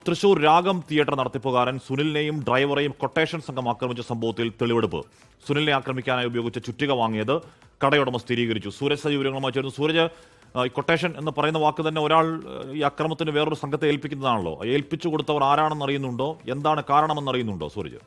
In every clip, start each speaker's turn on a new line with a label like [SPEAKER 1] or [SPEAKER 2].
[SPEAKER 1] തൃശൂർ രാഗം theatre നടത്തിപ്പുകാരൻ സുനിലിനെയും ഡ്രൈവറെയും quotation സംഘം ആക്രമിച്ച സംഭവത്തിൽ തെളിവെടുപ്പ്. സുനിലിനെ ആക്രമിക്കാനായി ഉപയോഗിച്ച ചുറ്റിക വാങ്ങിയത് കടയുടമ സ്ഥിരീകരിച്ചു. സൂരജ് സജീവ് വിവരങ്ങളുമായി ചേർന്നു. സൂരജ്, ഈ കൊട്ടേഷൻ എന്ന് പറയുന്ന വാക്ക് തന്നെ ഒരാൾ ഈ അക്രമത്തിന് വേറൊരു സംഘത്തെ ഏൽപ്പിക്കുന്നതാണല്ലോ. ഏൽപ്പിച്ചു കൊടുത്തവർ ആരാണെന്ന് അറിയുന്നുണ്ടോ? എന്താണ് കാരണമെന്ന് അറിയുന്നുണ്ടോ സൂരജ്?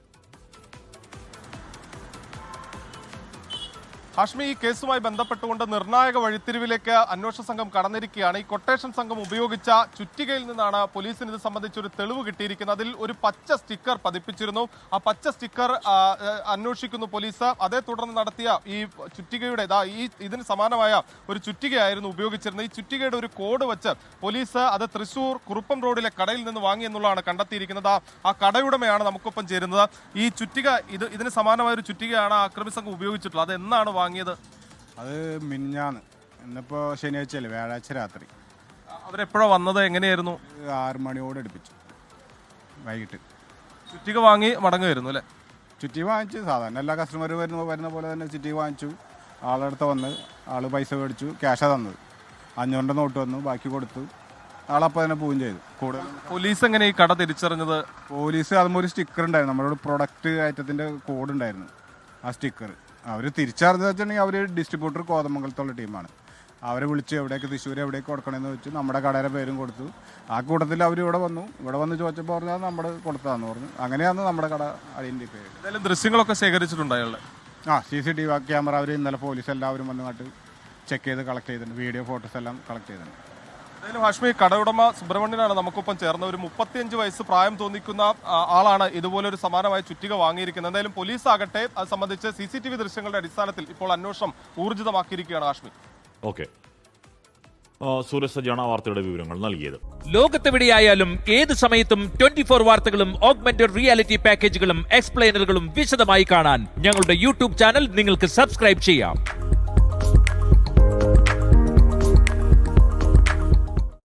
[SPEAKER 2] ഹാഷ്മി, ഈ കേസുമായി ബന്ധപ്പെട്ടുകൊണ്ട് നിർണായക വഴിത്തിരിവിലേക്ക് അന്വേഷണ സംഘം കടന്നിരിക്കുകയാണ്. ഈ കൊട്ടേഷൻ സംഘം ഉപയോഗിച്ച ചുറ്റികയിൽ നിന്നാണ് പോലീസിന് ഇത് സംബന്ധിച്ചൊരു തെളിവ് കിട്ടിയിരിക്കുന്നത്. അതിൽ ഒരു പച്ച സ്റ്റിക്കർ പതിപ്പിച്ചിരുന്നു. ആ പച്ച സ്റ്റിക്കർ അന്വേഷിക്കുന്നു പോലീസ്. അതേ തുടർന്ന് നടത്തിയ ഈ ചുറ്റികയുടെ ഇതിന് സമാനമായ ഒരു ചുറ്റികയായിരുന്നു ഉപയോഗിച്ചിരുന്നത്. ഈ ചുറ്റികയുടെ ഒരു കോഡ് വെച്ച് പോലീസ് അത് തൃശൂർ കുറുപ്പം റോഡിലെ കടയിൽ നിന്ന് വാങ്ങി എന്നുള്ളതാണ് കണ്ടെത്തിയിരിക്കുന്നത്. ആ കടയുടമയാണ് നമുക്കൊപ്പം ചേരുന്നത്. ഈ ചുറ്റിക ഇതിന് സമാനമായ ഒരു ചുറ്റികയാണ് ആക്രമി സംഘം ഉപയോഗിച്ചിട്ടുള്ളത്. അത് എന്നാണ് വാങ്ങിയത്?
[SPEAKER 3] അത് മിനിഞ്ഞാന്ന്, ഇന്നിപ്പോ ശനിയാഴ്ചയല്ലേ, വ്യാഴാഴ്ച രാത്രി.
[SPEAKER 2] അവരെപ്പോഴാണ് വന്നത്? എങ്ങനെയായിരുന്നു?
[SPEAKER 3] 6 മണിയോട് അടുപ്പിച്ചു വൈകിട്ട്.
[SPEAKER 2] ചുറ്റിക വാങ്ങി മടങ്ങുമായിരുന്നു അല്ലേ?
[SPEAKER 3] ചുറ്റി വാങ്ങിച്ചു. സാധാരണ എല്ലാ കസ്റ്റമർ വരുന്ന പോലെ തന്നെ ചുറ്റി വാങ്ങിച്ചു. ആളെടുത്ത് വന്ന് ആള് പൈസ മേടിച്ചു. ക്യാഷാണ് തന്നത്. 500 നോട്ട് വന്നു, ബാക്കി കൊടുത്തു. ആളപ്പോൾ തന്നെ പോവുകയും ചെയ്തു. കൂടുതൽ
[SPEAKER 2] പോലീസ് എങ്ങനെ ഈ കട തിരിച്ചറിഞ്ഞത്?
[SPEAKER 3] പോലീസ് അതുമ്പോൾ ഒരു സ്റ്റിക്കർ ഉണ്ടായിരുന്നു, നമ്മളോട് പ്രൊഡക്റ്റ് ഐറ്റത്തിൻ്റെ കോഡ് ഉണ്ടായിരുന്നു. ആ സ്റ്റിക്കർ അവർ തിരിച്ചറിഞ്ഞത് വെച്ചിട്ടുണ്ടെങ്കിൽ അവർ ഡിസ്ട്രിബ്യൂട്ടർ കോതമംഗലത്തുള്ള ടീമാണ്. അവരെ വിളിച്ച് എവിടേക്ക് തൃശ്ശൂർ എവിടേക്ക് കൊടുക്കണമെന്ന് വെച്ച് നമ്മുടെ കടയുടെ പേരും കൊടുത്തു. ആ കൂട്ടത്തിൽ അവർ ഇവിടെ വന്ന് ചോദിച്ചപ്പോൾ പറഞ്ഞാൽ നമ്മൾ കൊടുത്തതാന്ന് പറഞ്ഞു. അങ്ങനെയാണ് നമ്മുടെ കട ഐഡന്റിഫൈ ചെയ്തത്.
[SPEAKER 2] എന്തായാലും ദൃശ്യങ്ങളൊക്കെ ശേഖരിച്ചിട്ടുണ്ട് അയാളുടെ.
[SPEAKER 3] CCTV ക്യാമറ അവർ ഇന്നലെ പോലീസ് എല്ലാവരും വന്നിട്ട് ചെക്ക് ചെയ്ത് കളക്ട് ചെയ്തിട്ടുണ്ട്. വീഡിയോ ഫോട്ടോസ് എല്ലാം കളക്ട് ചെയ്തിട്ടുണ്ട്.
[SPEAKER 2] എന്തായാലും ഹാഷ്മി, കടയുടമ സുബ്രഹ്മണ്യനാണ് നമുക്കൊപ്പം ചേർന്ന. ഒരു 35 വയസ്സ് പ്രായം തോന്നിക്കുന്ന ആളാണ് ഇതുപോലെ ഒരു സമാനമായ ചുറ്റിക വാങ്ങിയിരിക്കുന്നത്. എന്തായാലും പോലീസ് ആകട്ടെ അത് സംബന്ധിച്ച് CCTV ദൃശ്യങ്ങളുടെ അടിസ്ഥാനത്തിൽ ഇപ്പോൾ അന്വേഷണം ഊർജിതമാക്കിയിരിക്കുകയാണ്. ഹാഷ്മി,
[SPEAKER 1] ഓക്കെ. സൂരജ് സജാണ് വാർത്തയുടെ വിവരങ്ങൾ നൽകിയത്.
[SPEAKER 4] ലോകത്തെവിടെയായാലും ഏത് സമയത്തും 24 വാർത്തകളും ഓഗ്മെന്റഡ് റിയാലിറ്റി പാക്കേജുകളും എക്സ്പ്ലെയിനറുകളും വിശദമായി കാണാൻ ഞങ്ങളുടെ യൂട്യൂബ് ചാനൽ നിങ്ങൾക്ക് സബ്സ്ക്രൈബ് ചെയ്യാം.